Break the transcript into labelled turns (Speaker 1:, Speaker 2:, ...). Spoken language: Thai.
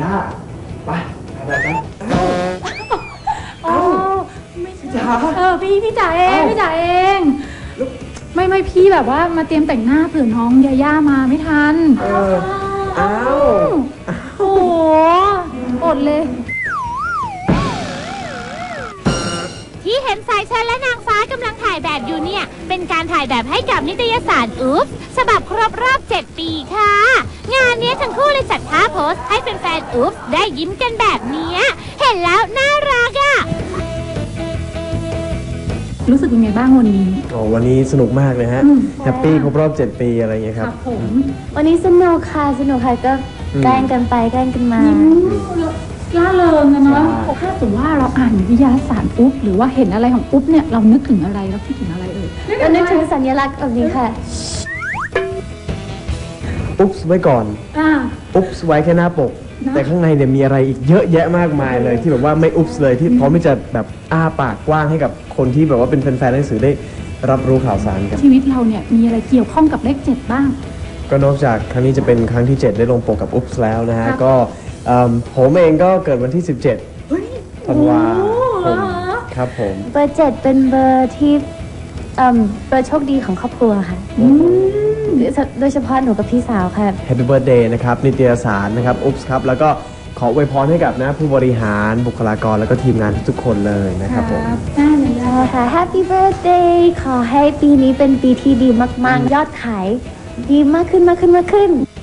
Speaker 1: ไปอะไรกัน
Speaker 2: โอ้ไม่ใช่
Speaker 1: จ๋า
Speaker 2: พี่จ๋าเองพี่จ๋าเองไม่พี่แบบว่ามาเตรียมแต่งหน้าเผื่อน้องยาย่ามาไม่ทัน
Speaker 1: อ้าว
Speaker 2: โอ้โหอดเลย
Speaker 3: ที่เห็นสายเชิญและนางฟ้ากำลังถ่ายแบบอยู่เนี่ยเป็นการถ่ายแบบให้กับนิตยสารอุ๊บฉบับครบรอบ 7 ปีค่ะงานนี้ทั้งคู่เลยจัดท่าโพสให้แฟนๆอุ๊บได้ยิ้มกันแบบนี้เห็นแล้วน่ารักอ่ะ
Speaker 2: รู้สึกยังไงบ้างวันนี้
Speaker 1: วันนี้สนุกมากเลยฮะแฮปปี้ครบรอบ 7 ปีอะไรอย่างเงี้ยครับ
Speaker 4: วันนี้สนุกค่ะก็แกล้งกันไปแกล้งกันมา
Speaker 2: ล่าเริงนะเนาะถ้าสมมติว่าเราอ่านวิทยาศาสตร์อุ๊บหรือว่าเห็นอะไรของอุ๊บเนี่ยเรานึกถึงอะไรเราคิดถึงอะไร
Speaker 4: เรานึกถึงสัญลักษณ์แบบนี้ค่ะ
Speaker 1: อุ๊บไว้ก่อนอุ๊บไว้แค่หน้าปกแต่ข้างในเนี่ยมีอะไรอีกเยอะแยะมากมายเลยที่แบบว่าไม่อุ๊บเลยที่พร้อมที่จะแบบอ้าปากกว้างให้กับคนที่แบบว่าเป็นแฟนๆหนังสือได้รับรู้ข่าวสารกัน
Speaker 2: ชีวิตเราเนี่ยมีอะไรเกี่ยวข้องกับเลข 7บ้าง
Speaker 1: ก็นอกจากครั้งนี้จะเป็นครั้งที่ 7ได้ลงปกกับอุ๊บแล้วนะฮะก็ผมเองก็เกิดวันที่ 17 ธันวาคมครับผม
Speaker 4: เบอร์ 7เป็นเบอร์ที่เบอร์โชคดีของครอบครัวค่ะโดยเฉพาะหนูกับพี่สาวค่ะ
Speaker 1: Happy Birthday นะครับนิตยสารนะครับอุ๊บครับแล้วก็ขออวยพรให้กับนะผู้บริหารบุคลากรแล้วก็ทีมงานทุกคนเลยนะครับผม
Speaker 4: ค่ะ Happy Birthday ขอให้ปีนี้เป็นปีที่ดีมากๆยอดขายดีมากขึ้น